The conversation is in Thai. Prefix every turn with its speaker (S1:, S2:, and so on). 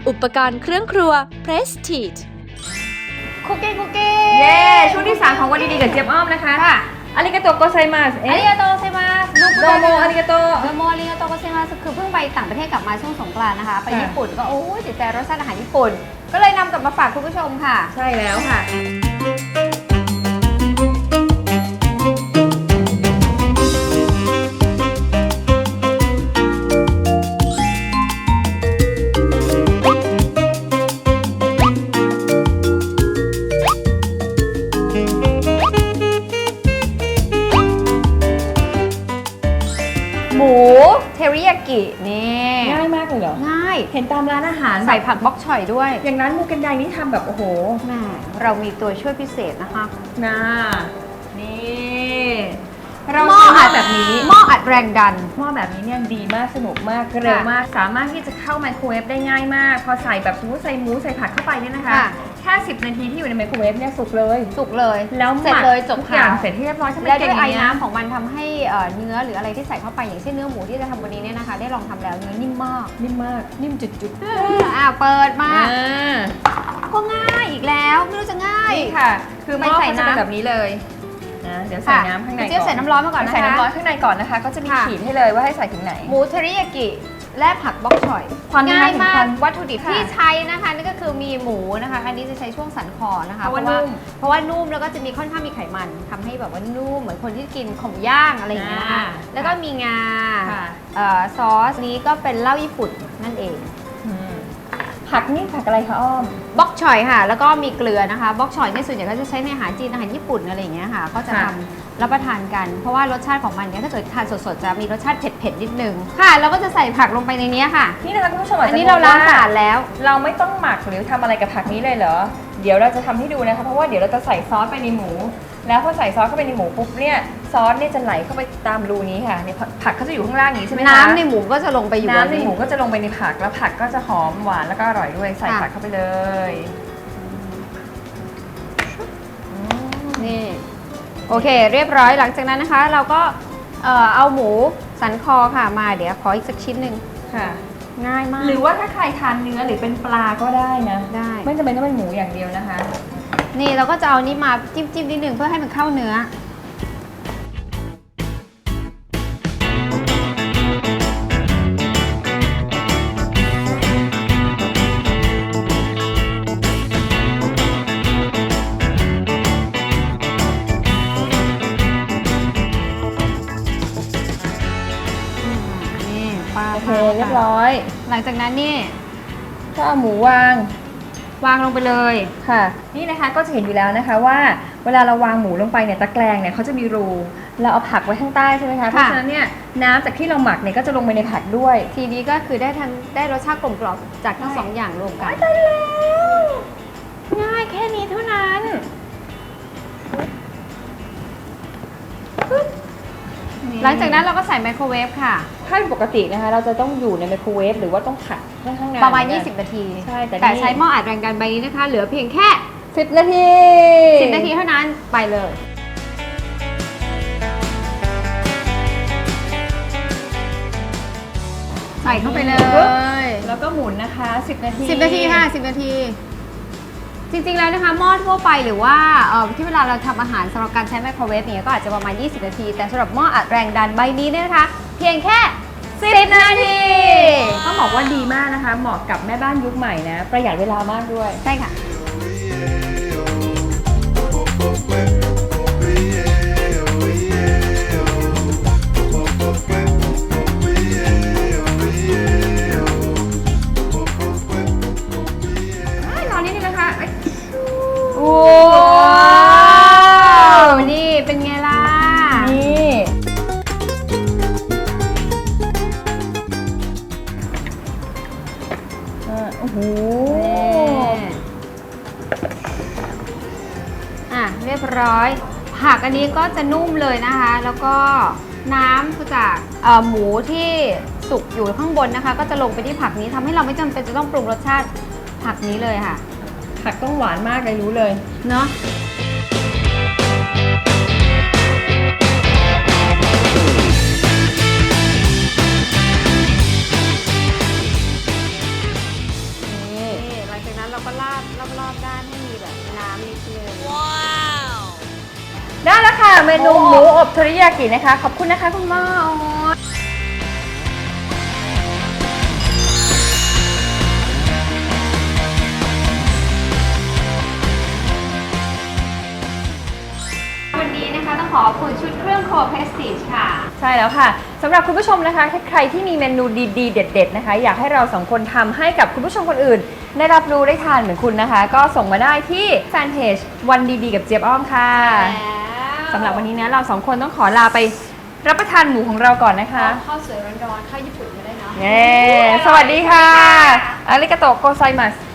S1: อุปกรณ์เครื่องครัว Prestige
S2: คุกกี้
S3: เย้ช่วงที่ 3 ของวันดีๆกับเจี๊ยบอ้อมนะคะอาริกาโตโกไซมัส
S2: อาริกาโตเซมาส
S3: โดโมอาริกาโต
S2: อาริกาโตเซมาสคือเพิ่งไปต่างประเทศกลับมาช่วงสงกรานต์นะคะไปญี่ปุ่นก็โอ้ยติดใจรสชาติอาหารญี่ปุ่นก็เลยนำกลับมาฝากคุณผู้ชมค่ะ
S3: ใช่แล้วค่ะ
S2: หมูเทริยากินี่
S3: ง่ายมากเลยเหรอ
S2: ง่าย
S3: เห็นตามร้านอาหาร
S2: ใส่ผักบล็อกฉ่อยด้วย
S3: อย่างร้านมูกันไดนี่ทำแบบโอ้โห
S2: แม่เรามีตัวช่วยพิเศษนะคะ
S3: นี่
S2: เรา
S3: หม้ออัดแบบนี้
S2: หม้ออัดแรงดัน
S3: หม้อแบบนี้เนี่ยดีมากสนุกมากเร็วมากสามารถที่จะเข้าไมโครเวฟได้ง่ายมากพอใส่แบบสมมติใส่หมูใส่ผักเข้าไปเนี่ยนะคะแค่10 นาทีที่อยู่ในไมโครเวฟเนี่ยสุกเลย
S2: แล้วเสร็จเลยจบ
S3: ทุกอย่างเสร็จที่เรียบร้อย
S2: และด้วยไอ้น้ำของมันทำให้เนื้อหรืออะไรที่ใส่เข้าไปอย่างเช่นเนื้อหมูที่จะทำวันนี้เนี่ยนะคะได้ลองทำแล้วเนื้อนิ่มมากนิ่มจุดๆเปิดมาก็ง่ายอีกแล้วไม่รู้จะง่าย
S3: นี่ค่ะคือหม้อใส่น้ำแบบนี้เลยนะเดี๋ยวใส่น้ำข้างในก่อน
S2: เจี๊ยบใส่น้ำร้อนมาก่อนนะคะ
S3: ใส่น้ำร้อนข้างในก่อนนะคะก็จะมีขีดให้เลยว่าให้ใส่ถึงไหน
S2: หมูเทริยากิและผักบล็อกฉ่อยง่ายมากวัตถุดิบที่ใช้นะคะนี่ก็คือมีหมูนะคะอันนี้จะใช้ช่วงสันคอนะคะเพราะว่านุ่มแล้วก็จะมีค่อนข้างมีไขมันทำให้แบบว่านุ่มเหมือนคนที่กินของย่างอะไรอย่างเงี้ยนะคะแล้วก็มีงาซอสนี้ก็เป็นเหล้าญี่ปุ่นนั่นเอง
S3: ผักนี่ผักอะไรคะอ้อม
S2: บล็อกฉ่อยค่ะแล้วก็มีเกลือนะคะบล็อกฉ่อยในส่วนใหญ่ก็จะใช้ในอาหารจีนอาหารญี่ปุ่นอะไรอย่างเงี้ยค่ะก็จะทำรับประทานกันเพราะว่ารสชาติของมันเนี่ยถ้าเกิดทานสดๆจะมีรสชาติเผ็ดๆนิดนึงค่ะแล้วก็จะใส่ผักลงไปในนี้ค่ะ
S3: นี่นะคะคุณผู้ชม
S2: อันนี้เราล้างสะอาดแล้ว
S3: เราไม่ต้องหมักหรือทำอะไรกับผักนี้เลยเหรอเดี๋ยวเราจะทำให้ดูนะคะเพราะว่าเดี๋ยวเราจะใส่ซอสไปในหมูแล้วพอใส่ซอสเข้าไปในหมูปุ๊บเนี่ยซอสเนี่ยจะไหลเข้าไปตามรูนี้ค่ะในผักเขาจะอยู่ข้างล่างนี้ใช่ไหมคะ
S2: น้ำในหมูก็จะลงไปอยู่
S3: น้ำในหมูก็จะลงไปในผักแล้วผักก็จะหอมหวานแล้วก็อร่อยด้วยใส่ผักเข้าไปเลย
S2: นี่โอเคเรียบร้อยหลังจากนั้นนะคะเราก็เอาหมูสันคอค่ะมาเดี๋ยวขออีกสักชิ้นหนึ่ง
S3: ค่ะ
S2: ง่ายมาก
S3: หรือว่าถ้าใครทานเนื้อหรือเป็นปลาก็ได้นะ
S2: ได้
S3: ไม่จำเป็นต้องเป็นหมูอย่างเดียวนะคะ
S2: นี่เราก็จะเอานี้มาจิ้มนิดนึงเพื่อให้มันเข้าเนื้อ
S3: โอเคเรียบร้อย
S2: หลังจากนั้นนี่
S3: ก็เอาหมูวาง
S2: ลงไปเลย
S3: ค่ะนี่นะคะก็จะเห็นอยู่แล้วนะคะว่าเวลาเราวางหมูลงไปเนี่ยตะแกรงเนี่ยเขาจะมีรูเราเอาผักไว้ข้างใต้ใช่ไหมคะเพราะฉะนั้นเนี่ยน้ำจากที่เราหมักเนี่ยก็จะลงไปในผักด้วย
S2: ทีนี้ก็คือได้รสชาติกลมกล่อมจากทั้ง2อย่างรวมกัน
S3: ได้แล้วง่ายแค่นี้เท่านั้น
S2: หลังจากนั้นเราก็ใส่ไมโครเวฟค่ะ
S3: ถ้าปกตินะคะเราจะต้องอยู่ในไมโครเวฟหรือว่าต้องผัดค่อนข้างนาน
S2: ประมาณ20 นาที
S3: ใช่
S2: แต่ใช้หม้ออัดแรงดันใบนี้นะคะเหลือเพียงแค่
S3: 10 นาที
S2: เท่านั้นไปเลยใส่เข้าไปเลย
S3: แล้วก็หมุนนะคะ10 นาที
S2: ค่ะ10 นาทีจริงๆแล้วนะคะหม้อทั่วไปหรือว่าที่เวลาเราทำอาหารสำหรับการใช้ไมโครเวฟเนี่ยก็อาจจะประมาณ20 นาทีแต่สำหรับหม้ออัดแรงดันใบนี้เนี่ยนะคะเพียงแค่10 นาที
S3: ต้องบอกว่าดีมากนะคะเหมาะกับแม่บ้านยุคใหม่นะประหยัดเวลามากด้วย
S2: ใช่ค่ะโอ้นี่เป็นไงล่ะ
S3: นี่โอ้โห
S2: เรียบร้อยผักอันนี้ก็จะนุ่มเลยนะคะแล้วก็น้ำจากหมูที่สุกอยู่ข้างบนนะคะก็จะลงไปที่ผักนี้ทำให้เราไม่จำเป็นจะต้องปรุงรสชาติผักนี้เลยค่ะ
S3: ผักต้องหวานมากเลยรู้เลย
S2: เนาะ
S3: เมนูหมูอบเทอริยากินะคะขอบคุณนะคะคุณหม้อ
S2: วันนี้นะคะต้องขอบคุณชุดเครื่องครัวเพรสติจค่ะ
S3: ใช่แล้วค่ะสำหรับคุณผู้ชมนะคะใครที่มีเมนูดีๆเด็ดๆนะคะอยากให้เราสองคนทำให้กับคุณผู้ชมคนอื่นได้รับรู้ได้ทานเหมือนคุณนะคะก็ส่งมาได้ที่แฟนเพจวันดีๆกับเจี๊ยบอ้อมค่ะสำหรับวันนี้นะเราสองคนต้องขอลาไปรับประทานหมูของเราก่อนนะคะ
S2: ข้าวสวยร้อนๆข้าวญี่ปุ่นก็ได้เนาะ
S3: สวัสดีค่ะอาริกาโตะโกไซมัส